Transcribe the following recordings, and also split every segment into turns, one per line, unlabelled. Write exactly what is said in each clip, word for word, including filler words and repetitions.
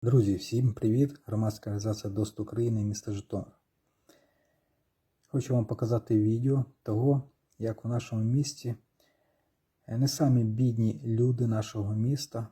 Друзі, всім привіт! Громадська організація ДОСТ України, місто Житомир. Хочу вам показати відео того, як у нашому місті не самі бідні люди нашого міста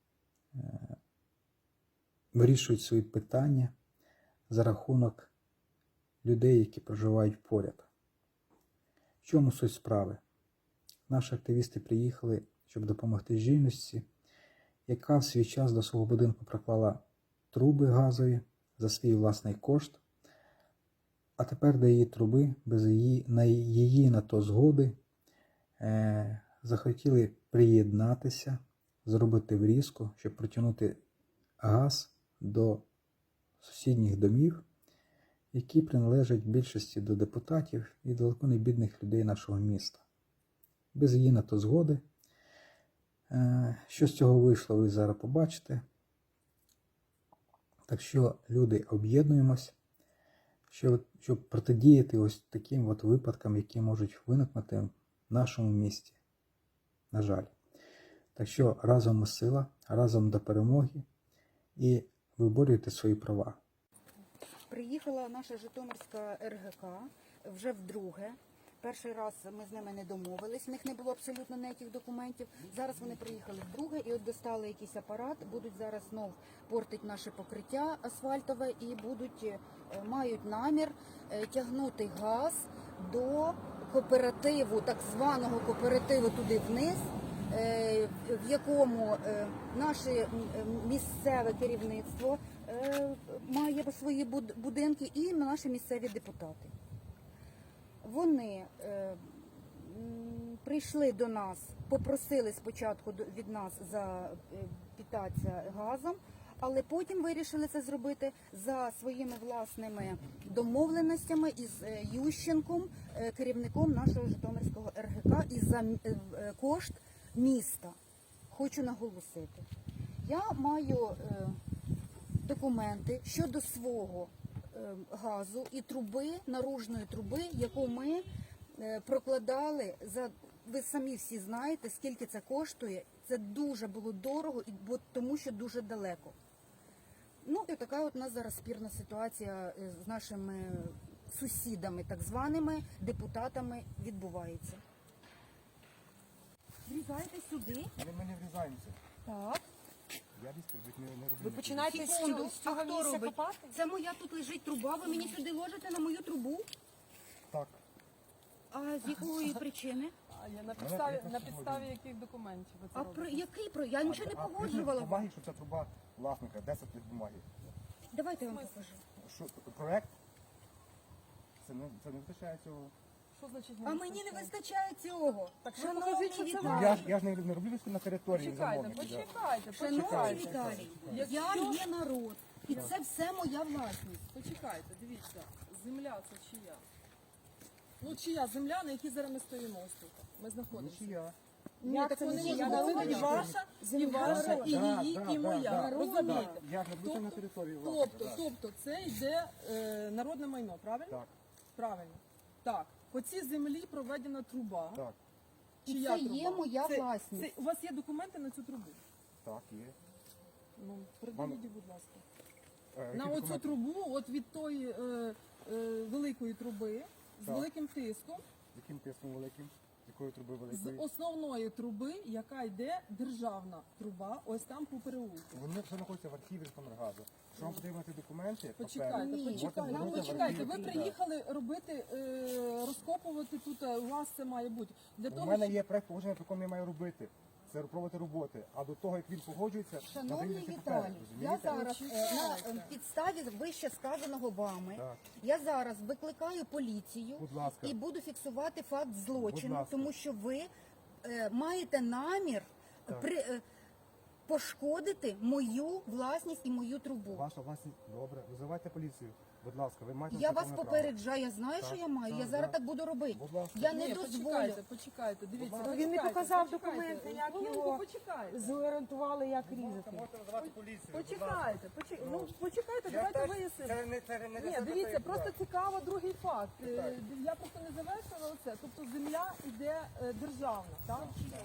вирішують свої питання за рахунок людей, які проживають поряд. В чому суть справи? Наші активісти приїхали, щоб допомогти жіночці, яка в свій час до свого будинку проклала труби газові за свій власний кошт, а тепер до її труби, без її на її на то згоди, е, захотіли приєднатися, зробити врізку, щоб протягнути газ до сусідніх домів, які приналежать більшості до депутатів і далеко не бідних людей нашого міста. Без її на то згоди. Що з цього вийшло, ви зараз побачите. Так що, люди, об'єднуємось, щоб, щоб протидіяти ось таким от випадкам, які можуть виникнути в нашому місті. На жаль. Так що, разом ми сила, разом до перемоги і виборюйте свої права.
Приїхала наша Житомирська ер ге ка вже вдруге. Перший раз ми з ними не домовились, в них не було абсолютно ніяких документів. Зараз вони приїхали вдруге і от достали якийсь апарат, будуть зараз знов портити наше покриття асфальтове і будуть, мають намір тягнути газ до кооперативу, так званого кооперативу туди вниз, в якому наше місцеве керівництво має свої будинки і наші місцеві депутати. Вони е, прийшли до нас, попросили спочатку від нас запитатися газом, але потім вирішили це зробити за своїми власними домовленостями із Ющенком, керівником нашого Житомирського ер ге ка, і за кошт міста. Хочу наголосити. Я маю е, документи щодо свого газу і труби, наружної труби, яку ми прокладали, за, ви самі всі знаєте, скільки це коштує. Це дуже було дорого, бо тому що дуже далеко. Ну і така от у нас зараз спірна ситуація з нашими сусідами, так званими депутатами, відбувається. Врізайте сюди.
Але ми не врізаємося.
Так.
Я дійсно не, не роблю.
Ви починаєте з
Секунду,
цього, з цього
а хто
місця
робить?
копати?
Це моя тут лежить труба, ви мені сюди ложите на мою трубу?
Так.
А з якої причини?
А я на підставі, на підставі яких документів ви це
А
робите?
про який про? Я нічого не
А
погоджувала.
бумаги, що це труба власника, десять тих бумаги.
Давайте я вам покажу.
Що, проект? Це не, це не вистачає цього.
Що значить
А мені не вистачає цього.
Так що
Шановний
покажіть, що це
Ну,
Віталій,
я, ж- я ж не, не роблю виски на території
Почекайте,
замовника. да.
почекайте,
шановний
почекайте.
Віталій,
Якщо-
я є народ. І це все моя власність.
Почекайте, дивіться, земля це чия? Ну чия земля, на якій зараз ми стоїмо ось тут? Ми знаходимося.
Нічия.
Ні, так
це
вони
нічия?
можуть
Я
бути і
народна.
ваша, і ваша, і
Да,
її,
да,
і
да,
моя.
да.
Розумієте?
Я ж не буду на
Тобто-
території власника.
Тобто,
да.
тобто це йде е, народне майно, правильно?
Так,
Правильно. Так, по цій землі проведена труба.
так,
І
Чия
це
труба?
є моя
Це-
власність.
це- у вас є документи на цю трубу?
так, є.
Ну, придивіть, будь ласка.
Е, які
На оцю
документи?
трубу, от від тої е, е, великої труби, з
Так.
великим тиском,
Яким тиском великим? З якої труби
з
великої?
основної труби, яка йде державна труба, ось там по переулку.
Вони все знаходяться в архіві Житомиргазу. Що вам потрібно ці документи?
Почекайте,
папери,
Ні.
можете
почекайте,
звернутися в
почекайте.
архів.
Ви
Да.
приїхали робити, е, розкопувати тут, е, у вас це має бути. Для
У
того,
мене
щоб-
є проект положення, по якому я маю робити. Це проводити роботи. А до того, як він погоджується,
Шановний
надають ці папери,
Віталій, я
розумієте?
зараз е, на е, підставі вище сказаного вами,
Так.
я зараз викликаю поліцію
Будь ласка.
і буду фіксувати факт злочину,
ласка.
тому що ви е, маєте намір
Так.
при, е, пошкодити мою власність і мою трубу.
Ваша власність, добре, визивайте поліцію. Будь ласка, ви маєте
Я вас
законне право.
попереджаю, я знаю,
Так,
що я маю.
так,
Я зараз
так.
так буду робити.
Будь ласка.
Я не
Ні,
дозволю.
почекайте, почекайте, дивіться.
Ну,
він не
почекайте,
показав
почекайте.
документи, як
Хвилинку,
його
почекайте.
зорієнтували, як різати.
Можете назвати поліцію.
Почекайте, почекайте, ну почекайте, давайте вияснимо.
Це не, це не
Ні, дивіться, просто цікаво другий факт. Е, Я просто не завершила оце. Тобто земля йде е, державна, так?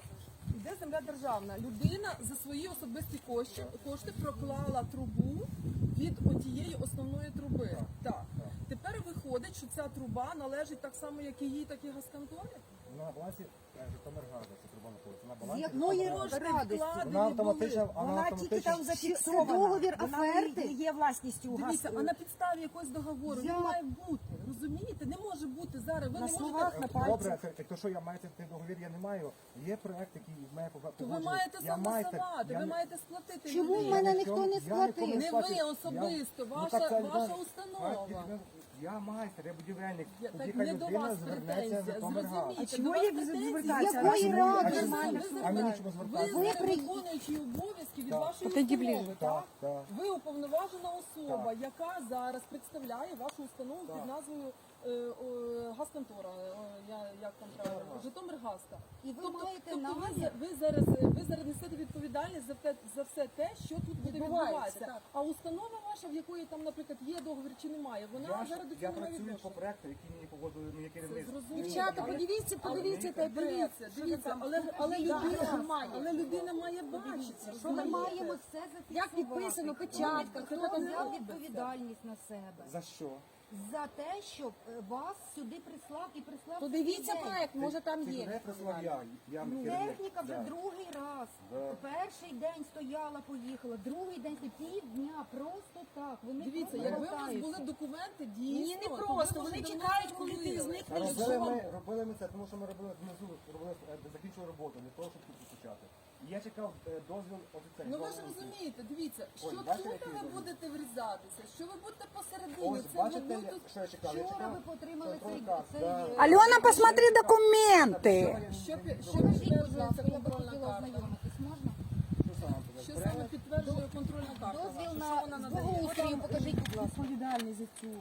Іде земля державна. Людина за свої особисті кошти, кошти проклала трубу від отієї основної труби. Так. Тепер виходить, що ця труба належить так само, як і їй, так і газконторі.
Вона на балансі е, Житомиргазу, ця труба знаходиться. На
З
балансі
якої
Житомиргазу.
радості?
Вона
Вкладені були.
автоматично, вона
Вона тільки
автоматично.
там зафіксована.
Це договір
Вона
оферти?
не є власністю
Дивіться,
газу.
а на підставі якогось договору
Я-
не має бути. Розумієте? Не може бути зараз. Ви
На
не
словах,
можете.
на
Добре,
пальцях.
це, то що я маю цей договір, я не маю. Є проект, який має
То ви
погоджувати.
маєте
Я майстер,
согласувати,
я
ви
не-
маєте сплатити.
Чому
людині.
в мене
Я
ніхто
нікому-
не
я
сплатив?
нікому
Не
сплатив.
ви
Я-
особисто,
Ну,
ваша,
так це
ваша
людина-
установа.
Я майстер, я будівельник.
Я-
Тоді
так
хай
не до
людина
вас
звернеться
претензія,
в Житомиргаз.
зрозумійте.
А чому
до вас
їх
претензії?
звертатися?
З якої
Раз
ради?
немає,
А
нормально
мені-
все.
а мені чому
Ви
звертатися?
Ви
знаєте,
при-
виконуючий обов'язки від
Так.
вашої
Підійди
установи,
ближче.
так?
Так, так.
Ви уповноважена особа,
Так.
яка зараз представляє вашу установу
Так.
під назвою е, о, газконтора, о, я, як там правильно, Житомиргазка.
І ви
Тобто,
маєте
тобто ви,
намір?
за- ви зараз ви зараз несете відповідальність за те за все те, що тут буде
Відбувається,
відбуватися.
так.
А установа ваша, в якої там, наприклад, є договір чи немає, вона
Я, ж-
зараз до
я
цього не має
працюю по
відношення.
проекту, який мені погодили моє керівництво.
Зрозуміло.
Дівчата,
Але-
подивіться,
але
подивіться той проект.
Дивіться,
Що
дивіться,
там?
але, але,
Да,
людина,
що має?
але людина має бачити.
Що
Ми
ви
маємо все зафіксувати.
Як підписано, печатка,
Хто
хто там
взяв
робить
відповідальність на себе?
За що?
За те, щоб е, вас сюди прислав і прислав
Подивіться
цей день.
проект, може там
Ти
є.
мене прислав я. Я
Ну,
керівник.
техніка вже
Да.
другий раз.
Да.
Перший день стояла, поїхала, другий день стояла, півдня, просто так. Вони
Дивіться,
просто
якби у вас
болтаються.
були документи, дійсно,
Ні, не
то ви,
просто,
може,
вони
давно
чекають, коли ти
зробили.
зникнеш.
А
Якщо
робили
вам-
ми, робили ми це, тому що ми робили внизу, робили, е, закінчили роботу, для того, щоб тут почати. І я чекав е, дозвіл офіцерів.
Ну ви ж розумієте, дивіться, що
Ой,
тут
бачите, який
ви
дозвіл?
будете врізатися, що ви будете посередині,
Ось,
це
бачите,
ви
я-
тут...
що я чекав? Я
Вчора
чекав
ви отримали цей,
контроль-каз,
цей
да.
е,
Альона, посмотри документи.
Що, пі- що
Покажіть, будь
підтверджується
ласка, я би
контрольна
хотіла
карта?
ознайомитись, можна?
Що саме туди?
Що саме підтверджує контрольна карта
Дозвіл
ваша?
на
Що вона надає?
благоустрою, покажіть, будь ласка.
Відповідальний за цю.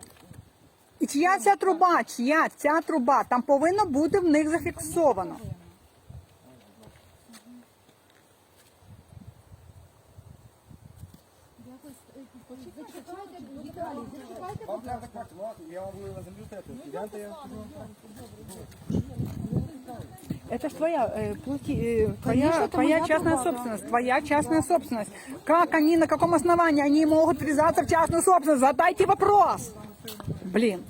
І чия ця труба? Чия ця труба? Там повинно бути в них зафіксовано.
Якось, е, Зачекайте, Віталій, зачекайте,
Вам
будь
треба
ласка.
так, ну, я вам буду на землю стати.
Ну,
Гляньте, я
Это ж твоя, э, плати, э, твоя, твоя частная собственность, твоя частная собственность. Как они, на каком основании они могут врезаться в частную собственность? Задайте вопрос. Блин.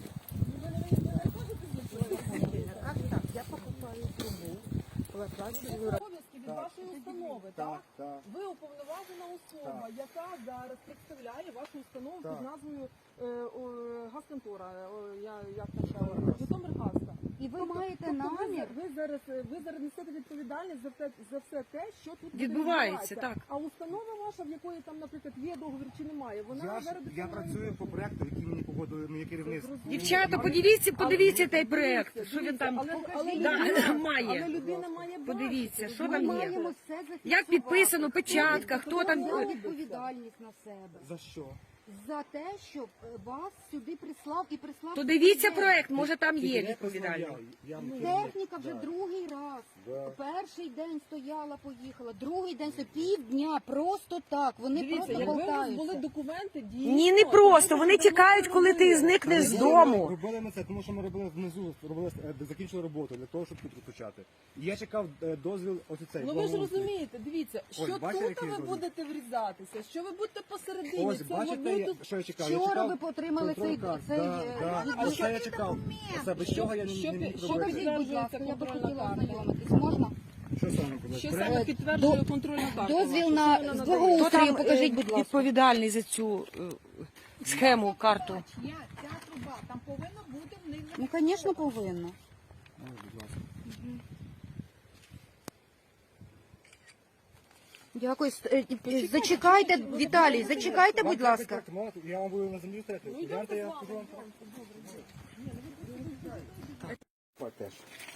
Обов'язки від вашої установи, так?
Так, так.
Ви уповноважена особа, яка зараз представляє вашу установу
Так.
під назвою е, о, газконтора, о, я, як там правильно, Житомиргазка.
І ви маєте
Тобто ви,
намір?
за- ви зараз ви зараз несете відповідальність за те за все те, що тут буде
Відбувається,
відбуватися. А установа ваша, в якої там, наприклад, є договір чи немає, вона
Я, ж,
зараз до
я
цього не
працюю по проекту, який мені погодили моє керівництво.
Дівчата, подивіться, подивіться той проект.
Дивіться,
Що він
дивіться,
там
але, але,
Да,
людина,
має.
але людина має бачити.
Подивіться, що
Ми
там є.
маємо все зафіксувати.
Як підписано, печатка, хто там.
взяв відповідальність на себе?
За що?
За те, щоб е, вас сюди прислав і прислав.
То
цей
дивіться
день.
проект, може там є
Мене прислав
відповідальний.
я, я керівник.
Техніка вже
Да.
другий раз.
Да.
Перший день стояла, поїхала, другий день стояла, півдня, просто так. Вони
Дивіться,
просто
якби у вас
болтаються.
були документи, дійсно...
Ні, не просто. Вони
то
чекають, коли ти зникнеш з дому.
Робили ми це, тому що ми робили внизу, робили, е, закінчили роботу для того, щоб тут почати. І я чекав е, дозвіл офіцерів.
Ну ви ж
благоустрою.
розумієте, дивіться, що
Ось, бачите,
тут
який
ви
дозвіл?
будете врізатися, що ви будете посередині.
Ось,
це
бачите,
ви
я,
тут...
що я чекав? Я
Вчора
чекав
ви отримали цей,
контроль-каз.
цей
Да,
е,
да.
відповідь.
А це я чекав. Це без чого я не,
що
не
пі-
міг
що
робити.
Покажіть, будь ласка, я би
Контрольна
хотіла
карта.
ознайомитись. Можна?
Що саме казати?
Що
Проект?
саме підтверджує контрольна карта?
Дозвіл
ваша?
на
Що вона
з
надає?
благоустрою.
Хто там
покажіть,
е,
будь ласка.
відповідальний за цю е, схему, карту?
Чия ця труба? Там повинно бути в них
Ну, звісно, повинно.
Ось, будь ласка.
Дякую. Е, е, Зачекайте, Віталій, зачекайте, будь
Вам
ласка.
треба контракт, я вам буду на землю стати.
Ну, йдемте
Гляньте, я
з вами,
скажу вам. Так, теж.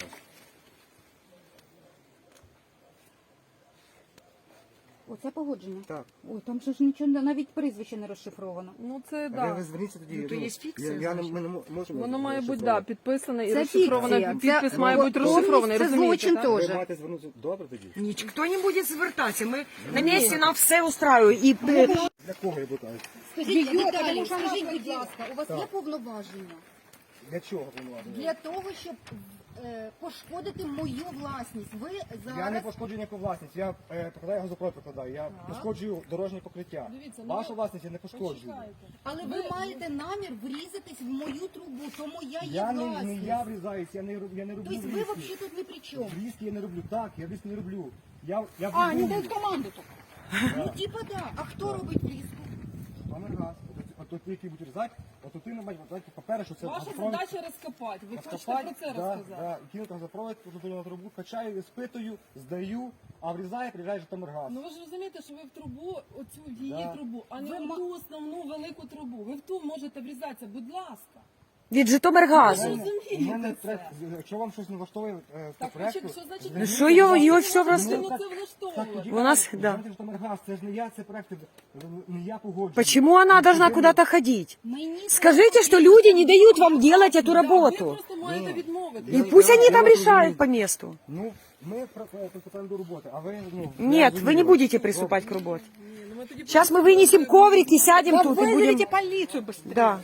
Оце погодження.
Так.
Ой, там же ж нічого, навіть прізвище не розшифровано.
Ну це
Ви,
да.
ви зверніться тоді.
Ну, то є
я,
фікція,
я не,
значить.
ми не мо- можемо.
Воно має бути да,
розшифрувати.
підписане і
Це
розшифроване.
фікція.
Підпис
Це-
має бути розшифрований,
Це
розумієте?
злочин
так?
Ви
теж.
маєте звернутися. Добре тоді?
Ніхто не буде звертатися. Ми на місці нам все устраює. І е,
Для кого я питаю?
Скажіть, Віталій, скажіть, будь ласка, у вас є повноваження
Для чого повноваження?
для того, щоб е, е, пошкодити мою власність. Ви зараз...
Я не пошкоджую ніяку власність, я е, прикладаю газопровод прикладаю, я пошкоджую дорожнє покриття.
Дивіться, ну,
Вашу
ви-
власність я не пошкоджую.
Почекайте.
Але ви маєте намір врізатись в мою трубу, тому я є
Я не,
власність.
не я врізаюсь, я не, роб- я не роблю
Тобто ви
врізки.
взагалі тут не при чому.
Врізки я не роблю, так, я врізки не роблю. Я, я
А, они
врізую.
дают команду только.
Ну, типа, да. А хто робить врізку?
Пане газ, от ті, які будуть різати, от ти не бачиш, по-перше, що це
Ваша
газопровід.
задача розкопати. Ви хочете
Розкопати,
про це
да,
розказати?
да, і кинути газопровід, позитивну на трубу, качаю, спитую, здаю, а врізає, приїжджає Житомиргаз.
Ну ви ж розумієте, що ви в трубу, оцю в її
Да.
трубу, а не
Ви
в
ма-
ту основну велику трубу. Ви в ту можете врізатися, будь ласка.
Від Житомиргазу.
Ви
Реально,
розумієте
у мене
це?
проект, якщо вам щось не влаштовує е, по
Так,
проекту,
що, що значить?
Ну, що його- його що
влаштовує?
влаштовує?
Ну, це
Так
влаштовує.
тоді
У нас,
кажуть,
да.
знаєте, Житомиргаз, це ж не я, це проект, е, не я погоджую.
Почему она должна куда-то ходить?
Мені
Скажите, что люди не дают вам делать эту
Да, ви
работу.
просто маєте відмовити.
И пусть они там решают по месту.
Ну, ми про- про- приступаємо до роботи, а ви, ну...
Нет,
я
вы не
розумію.
будете приступать к работе.
Ні, ну, ми тоді
Сейчас мы
просто-
вынесем коврик и сядем
Да
тут и будем...
вызовите полицию быстрее.
Да.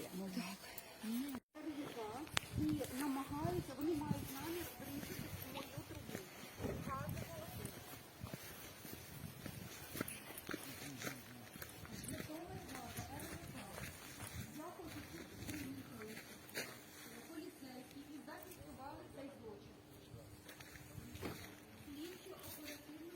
і намагаються, вони мають намір врізати в мою трубу. Поліцейські і зафіксували цей злочин. Слідчі оперативно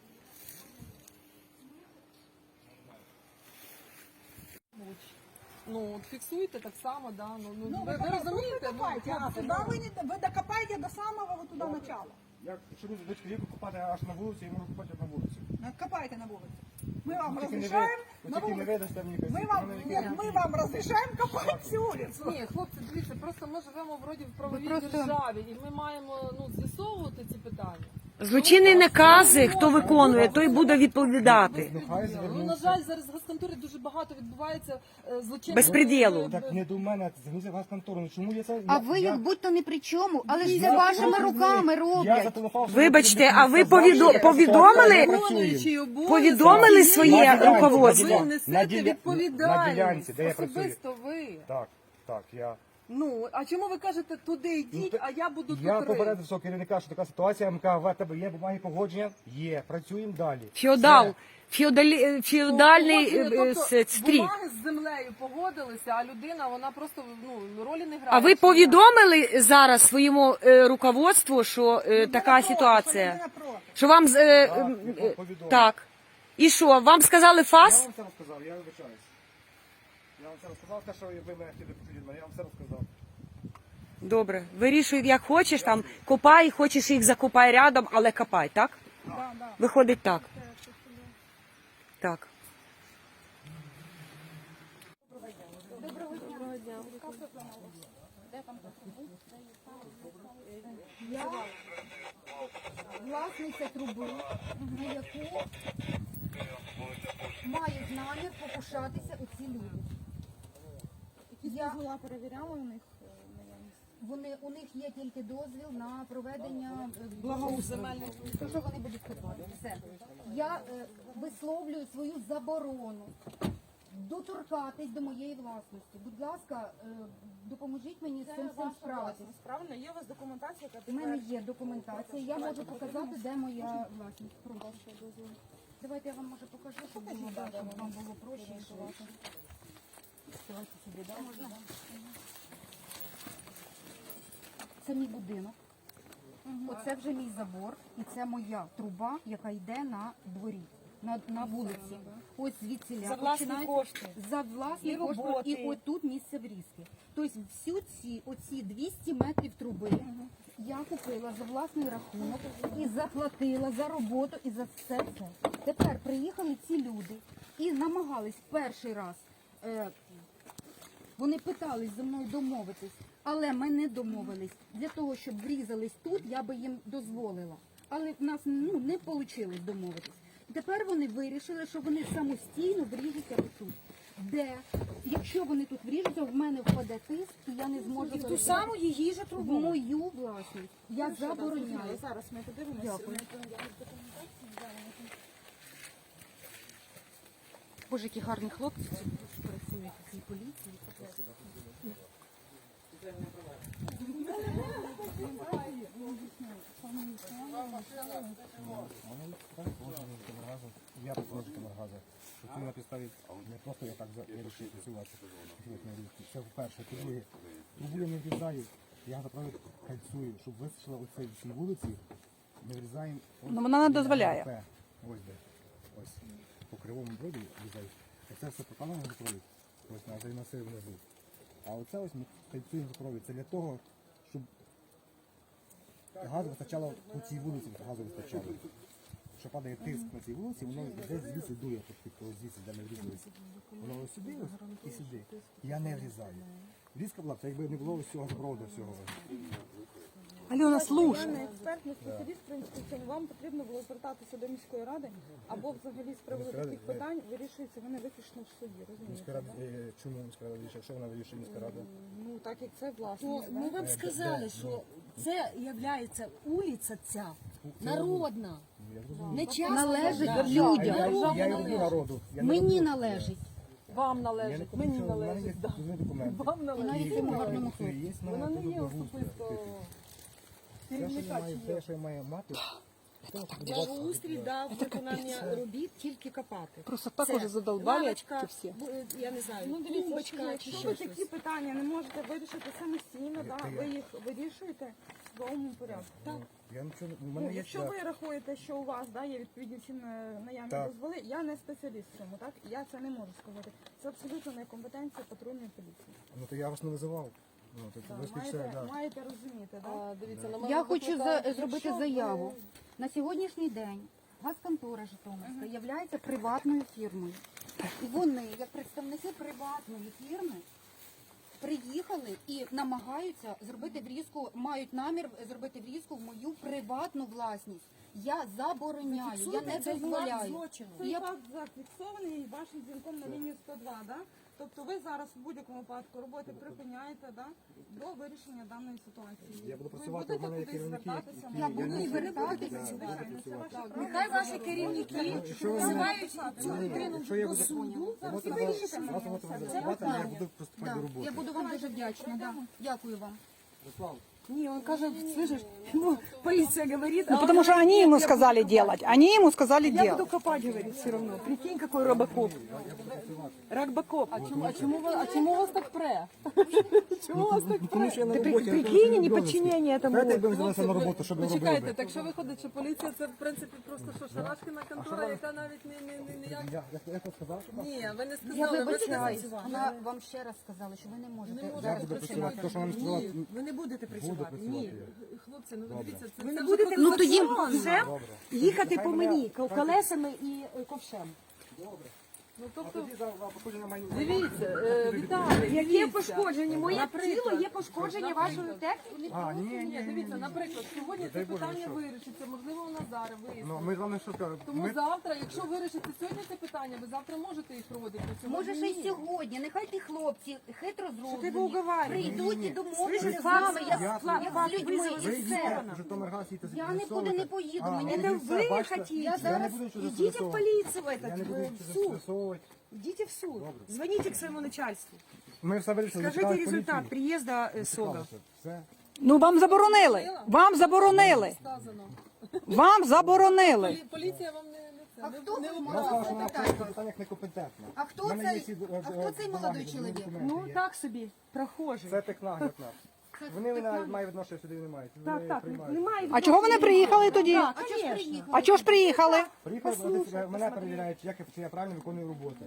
Ну, от фіксуйте так само, да. Ну, ну,
Ну,
ви,
вы,
ви розумієте?
вы копаете, а
хлопці,
сюда вы, не, вы докопаете до самого вот туда начала.
Я, якщо люди дочки ріку купати аж на вулиці, я можу купати на вулиці.
Копайте на улице. Мы вам
Тільки не ви,
разрешаем
ви
на
тільки не
улице.
видасте мені
Мы вам, нет, мы вам разрешаем копать всю улицу.
Ні, хлопці, дивіться, просто ми живемо вроді в правовій
просто-
державі, і ми маємо ну, з'ясовувати ці питання.
Злочинні накази, хто виконує, той буде відповідати.
Ну, хай
Ну, на
звернуться.
жаль, зараз в газконторі дуже багато відбувається е, злочинних...
Безпреділу.
Так не до мене, зверніться в газконтору. Ну чому я це...
А
я-
ви
я-
як будь-то не при чому, але ж
я
це вашими
просто
руками
Я
роблять.
зателефонував, що
Вибачте,
ви
а ви
сказали,
повідо-
що
повідомили?
ми працюємо.
Виконуючий обов'язки,
Повідомили
ви
своє
На ділянці,
руководство?
на
Ви
ділянці.
несете
На діля-
відповідальність.
на ділянці, де я працюю.
Особисто ви.
Так, так, я...
Ну, а чому ви кажете, туди йдіть,
Ну,
а я буду
Я
тут
попередив
рити?
свого керівника, що така ситуація, я йому кажу, в тебе є бумаги погодження? Є, працюємо далі.
Феодал,
Все.
феодалі, феодальний
Погодження,
е, е,
тобто
с- стрій.
бумаги з землею погодилися, а людина, вона просто ну, ролі не грає.
А ви повідомили зараз своєму е, руководству, що е, така ситуація? Що вам з- е,
Так,
м,
я
е,
повідомив.
так. І що, вам сказали
Я
фас?
вам це розказав, я вибачаюсь. Я вам це розказав, те, що ви мене хотіли почути від мене, я вам все розказав.
Добре, вирішуй, як хочеш, там копай, хочеш їх закопай рядом, але копай, так? Виходить так. Так.
Я власниця труби, на яку мають намір покушатися оці люди. Я перевіряла у них вони у них є тільки дозвіл на проведення е,
земельних.
то, що вони будуть копати. Все. Я е, висловлюю свою заборону доторкатись до моєї власності. Будь ласка, е, допоможіть мені з цим всім справитись.
Правильно, є у вас документація, яка
У мене є документація, я можу показати, де моя власність. Прошу. Давайте я вам може покажу, щоб було, да, щоб вам було проще і швидше. Давайте сюди, да, можна? Це мій будинок. Оце вже мій забор, і це моя труба, яка йде на дворі, на, на вулиці. Ось звідси
За власні кошти.
За власні
І
кошти.
роботи.
І отут місце врізки. Тобто всю ці, оці двісті метрів труби я купила за власний рахунок і заплатила за роботу і за все це. Тепер приїхали ці люди і намагались перший раз. Е, Вони питались зі мною домовитись, але ми не домовились. Для того, щоб врізались тут, я би їм дозволила. Але в нас ну, не вийшло домовитись. Тепер вони вирішили, що вони самостійно вріжуться тут. Де, якщо вони тут вріжуться, в мене впаде тиск, і я не зможу
Ту саму її же
в
трубу.
мою власність. Я забороняю.
зараз ми подивимося.
Дякую. Боже, які гарні хлопці працюють у цій поліції.
Житомиргазу, я працюю Житомиргазу. Працюю на підставі не просто я так за- вирішив працювати. Це вперше. По-друге, трубу я не врізаю, я запровід кальцую, щоб вистачило оцей цій вулиці, не врізаємо.
Ну, вона не дозволяє.
П. Ось де. Ось. По кривому броді врізають. Оце все покалено запровід. Ось на той насив внизу. А оце ось ми кальцюємо запровід. Це для того, щоб газу вистачало по цій вулиці, газу вистачало. Що падає тиск на цій вулиці, воно десь звідси дує, тобто ось звідси, де ми врізалися. Воно ось сюди ось і сюди. Я не врізаю. Врізка була б, це якби не було ось цього запроводу всього.
Альона,
Я
слушай.
не експерт, не спеціаліст, в принципі, в цьому вам потрібно було звертатися до міської ради, або взагалі з приводу
Міська рада,
таких
е,
питань вирішується вони виключно в суді,
Міська
розумієте?
рада,
да?
е, чому міська рада вирішує? Що вона вирішує міська рада?
Ну, так як це власне.
То ми вам сказали, що це є вулиця ця народна,
Я зрозумів.
не частна.
Належить
Я,
людям.
я, я, я роблю народу. Я не
Мені
роблю-
належить.
Вам
Я не
належить,
хочу,
мені
що в мене є
належить. да.
дозвільні документи.
Вам належить.
І
гарному
це є на
Вона не є
трудову
особисто
Те, що я
керівника
маю,
чи є.
те, що я маю мати, це ось буде
Благоустрій дав виконання робіт тільки копати.
Просто так
Це
уже задолбали
лавочка,
эти все.
бу- я не знаю,
Ну, дивіться,
тумбочка чи
якщо
ще
ви
щось.
такі питання не можете вирішити самостійно, да, ви їх вирішуєте в судовому порядку. Так.
Я нічого, не- у
Ну,
мене є
якщо ви рахуєте, що у вас да, є відповідні всі на- наявні
Так.
дозволи, я не спеціаліст в цьому, так? Я це не можу сказати. Це абсолютно не компетенція патрульної поліції.
Ну то я вас не визивав. Ну, то
Так,
ви ж
маєте,
це, да.
маєте розуміти, так?
А, дивіться, на мене
Я хочу
викликають-
за- зробити
Якщо ви-
заяву. На сьогоднішній день газконтора Житомирська є приватною фірмою. І вони, як представники приватної фірми, приїхали і намагаються зробити врізку, мають намір зробити врізку в мою приватну власність. Я забороняю, я не
Це факт
дозволяю.
злочину.
Цей
Я-
факт зафіксований вашим дзвінком на лінію сто два, да? Тобто ви зараз в будь-якому випадку роботи припиняєте, да? До вирішення даної ситуації.
Я буду
Ви
працювати,
будете
в мене є
кудись
керівники,
звертатися?
які-
Я
Ні,
буду
ви не
звертатися.
будете, звичайно, це ваше право.
Нехай ваші керівники
Якщо ви мене-
називають цю
Ні,
людину
якщо я
до
буду-
суду.
Робота
і
була-
вирішите мене
робота
все.
була
Це
працювати, а я
питання.
буду приступати
Да.
до роботи.
Я буду вам дуже вдячна. Да. Дякую вам.
Руслан,
Ні, він каже, слышиш, ну, поліція говорить,
Ну, потому что они ему сказали делать. Они ему сказали
я буду
делать.
копати, говорить, все одно. Прикинь, який робокоп. Ракбакоп.
А чому, а чому, ви- а чому вас так пре? Чому вас так
тому що я на
Ти
роботі.
при- прикинь, неподчинення
Знаєте,
этому.
якби ви взялися на роботу, що б ви
Почекайте,
робили?
так що виходить, що поліція це в принципі просто що шарашкіна контора, яка навіть не, не, не, ніяк...
Я, я, я тут сказав, що
Ні, ви не
Я
сказали, ви
вибачаюсь.
сказали.
Вона вам ще раз сказала, що ви не можете
Не можете
зараз
буду
працювати.
працювати. То, що вам сказала,
Ні, ви не будете
буду
працювати.
працювати.
Ні.
я.
Хлопці, ну дивіться, це,
Ви
це
не
вже
будете
Ну, тоді
вже їхати
Хай
по
мене-
мені колесами і е, ковшем.
Ну,
А
тобто,
тоді за за походження маю...
дивіться, е, Віталій,
Яке
дивіться.
пошкодження? Моє
Наприклад,
тіло є пошкодження вашої техніки.
А, ні, ні,
Ні,
ні,
дивіться, наприклад, сьогодні це
Дай Боже,
питання
що?
вирішиться, можливо, воно зараз вирішиться.
Ну, ми з вами що кажемо?
Тому
Ми...
завтра, якщо вирішите сьогодні це питання, ви завтра можете їх проводити. а сьогодні
Може, ще й
ні.
сьогодні. Нехай ті хлопці хитро
ти
зроблені.
уговарюєш?
Прийдуть і домовляться
Слышиш,
з нами.
факт-
Я,
факт-
я
факт
з людьми.
визову
і
Ви
все.
їдете в Житомиргаз, їдете
Я
з'ясовувати.
нікуди не поїду,
А,
мені
ну,
не
і все,
ви
бачите?
хотіте.
Я не
зараз
буду нічого
Идите в
з'ясовувати.
полицию в
Я не
этот,
буду
в
нічого
суд.
з'ясовувати.
Идите в суд. Звоните к своему начальству.
Ми все вирішили.
Скажите
чекали
результат
поліції.
приезда э, СОГа.
Чекалося. Все.
Ну, вам заборонили. Вам заборонили.
Сказано.
Вам заборонили.
Полі- Поліція вам не, не це,
А
не,
хто
не
ви
Вона
можете
сказала, що вона в
запитати?
цих питаннях некомпетентна.
А хто
В мене
цей-
є всі, е,
а хто
е,
цей
бумаги,
молодий чоловік?
документи
Ну,
є.
так собі, прохожий.
Це технагляд наш. Вони навіть мають відношення сюди не мають.
Так,
Вони
так,
приймають.
немає.
А чого вони приїхали тоді?
А чого ж приїхали?
А чого ж приїхали?
Приїхали, вони мене перевіряють, як я, чи я правильно виконую роботу.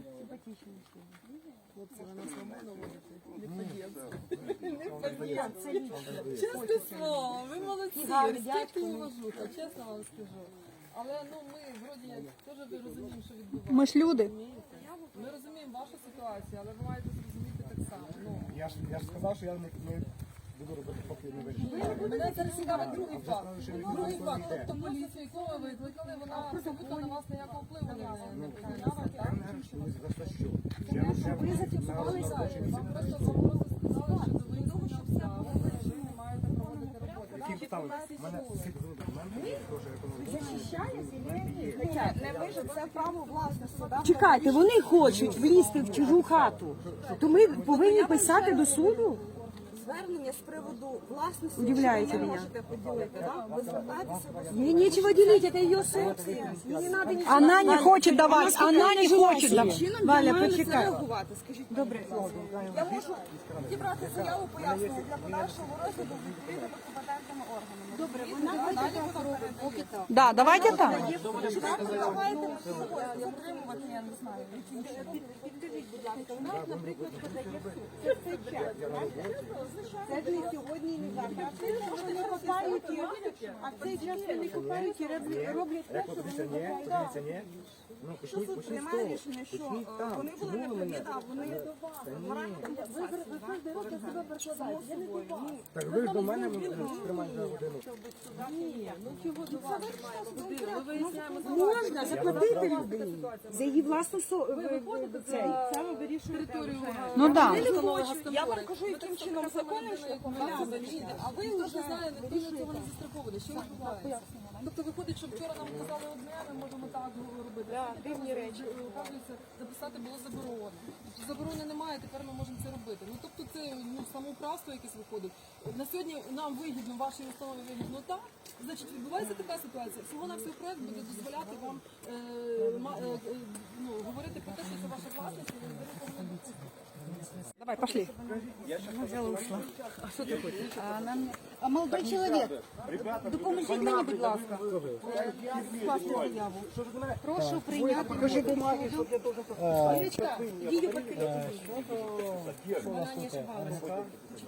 Чесне слово, ви молодці, респект і уважуха, чесно вам скажу. Але ну ми вроді як теж ви розуміємо, що відбувається.
Ми ж люди.
розумієте? Ми розуміємо вашу ситуацію, але ви маєте зрозуміти так само. Ну,
Я ж, я ж сказав, що я не, не буду робити, поки не вирішу.
мене зараз цікавить другий
вже
факт.
сказали, що
Ну, Другий
відбувається
факт,
йде.
тобто поліцію, яку ви викликали, вона абсолютно на вас ніякого впливу не, не прийняла,
Я
так?
не кажу, що ви за це що. Я вже
Ви зафіксували
на робочій місці.
Вам просто вам просто сказали, що до виїзду обставин ви не маєте проводити роботу.
Які обставини? У мене всі документи є, теж економічні.
Не ви ж це право власності, да?
Чекайте, вони хочуть влізти в чужу хату. То ми повинні писати до суду?
звернення з приводу власності,
Удивляєте
що ви не
мене.
можете поділити, да? Ви звертаєтеся до суду.
Ей нечего делить, это ее собственность. Ей не надо ничего.
Она не хочет давать, она не хочет давать.
Чином
Валя,
я маю на це
почекай.
реагувати. Скажіть, добре. Я можу зібрати заяву пояснення для подальшого розгляду відповідно до компетентними органами. Добре, вона далі поки так.
Да, давайте так.
Давайте затримувати, я не знаю. Підкажіть, будь ласка, у нас, наприклад, подає це цей час. Це не сьогодні, і не завтра. А це вони копають, і- а в цей час вони копають і роблять- роблять те, що вони копають.
Дивіться, ні? Ну,
Що
почніть,
суд
почніть з
приймає
того.
рішення, що
Почніть
е,
там.
вони були
Чому ви
неправі,
мене?
да, вони в моральній компенсації, да.
Так ви ж до мене тримаєте за годину.
Ні, ну чого до вас годину? Ми виясняємо
Можна заплатити людині за її власну со...
Ви виходите
цей.
за територію.
Ну да.
Я вам кажу, яким чином законним шляхом,
Так,
ви розумієте, а ви
ніхто ж
вже
не знає, ніхто ж цього не застрахований. Що відбувається? Тобто виходить, що вчора нам казали одне, ми можемо так робити. Дивні речі. Оказується, записати було заборонено. Заборони немає, тепер ми можемо це робити. Ну тобто це ну, самоуправство якесь виходить. На сьогодні нам вигідно, вашій установі вигідно так. Значить, відбувається така ситуація. Всього на всього проект буде дозволяти вам е, ма- е, е, ну, говорити про те, що це ваша власність, і ви не повинні допустити.
Давай, пошли.
А, нам... а молодой чоловік, допоможіть мені, будь ласка, скласти заяву. Прошу прийняти. Покажи бумаги, що я должен... Юлечка, її покинути. Вона не ошибалася.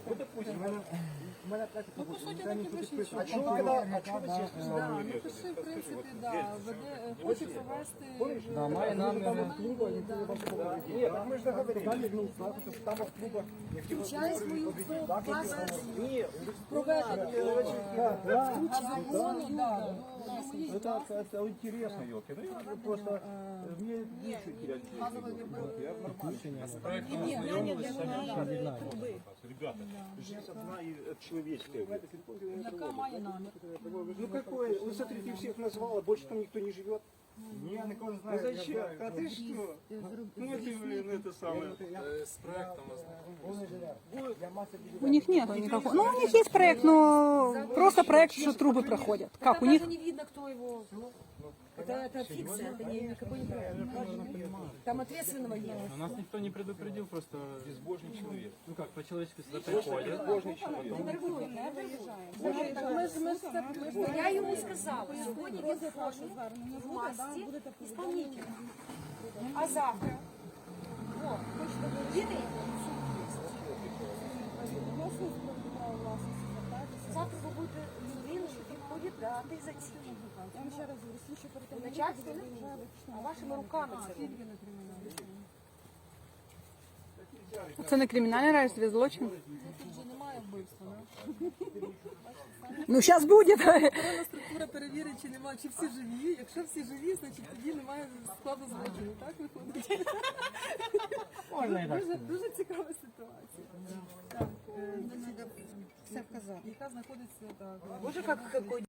Ну, по суті, так і пишіть.
А чого ви на- а чого ви чесно
Да,
сказали?
ну пиши, в принципі, да, веде, е, хоче провести
Да, має намір.
національний, да.
Ні, так ми ж договорилися. Ну, що там в клубах.
Включай свою базу.
Ні,
Проведення. А закону, да.
Это, это интересно, елки. Ну, я просто э, мне нечего терять. Я Ребята, жизнь одна и это человеческая.
Яка має намір?
ну какое? Вы смотрите, всех назвала, больше там никто не живет.
Не, я никого не
Ну
знаю.
зачем? А ты что?
Ну, это, блин, это самое.
У них нет никакого. Ну, у них есть проект, но просто проект, что трубы проходят. Как у них?
Даже не видно, кто его. Это, это фикция, это не, никакой не проект. Там ответственного нет.
Нас никто не предупредил, просто безбожный человек. Ну как, по-человечески сюда приходят.
Я йому сказала, сьогодні він входить в власті исполнителя. А завтра? О, єдиний. Завтра ви будете людину, що підходить дати за ці.
Я вам ще раз говорю, слідчо перед
Начальство, а вашими руками це робить.
Це не кримінальний разве злочин?
Тут же немає вбивства, да?
Ну, сейчас будет.
Охоронна структура перевірить, чи немає, чи всі живі. Якщо всі живі, значить тоді немає складу злочину. Так виходить? Дуже, дуже цікава ситуація. Так, е, значить,
Все вказати.
яка знаходиться так.
Боже, як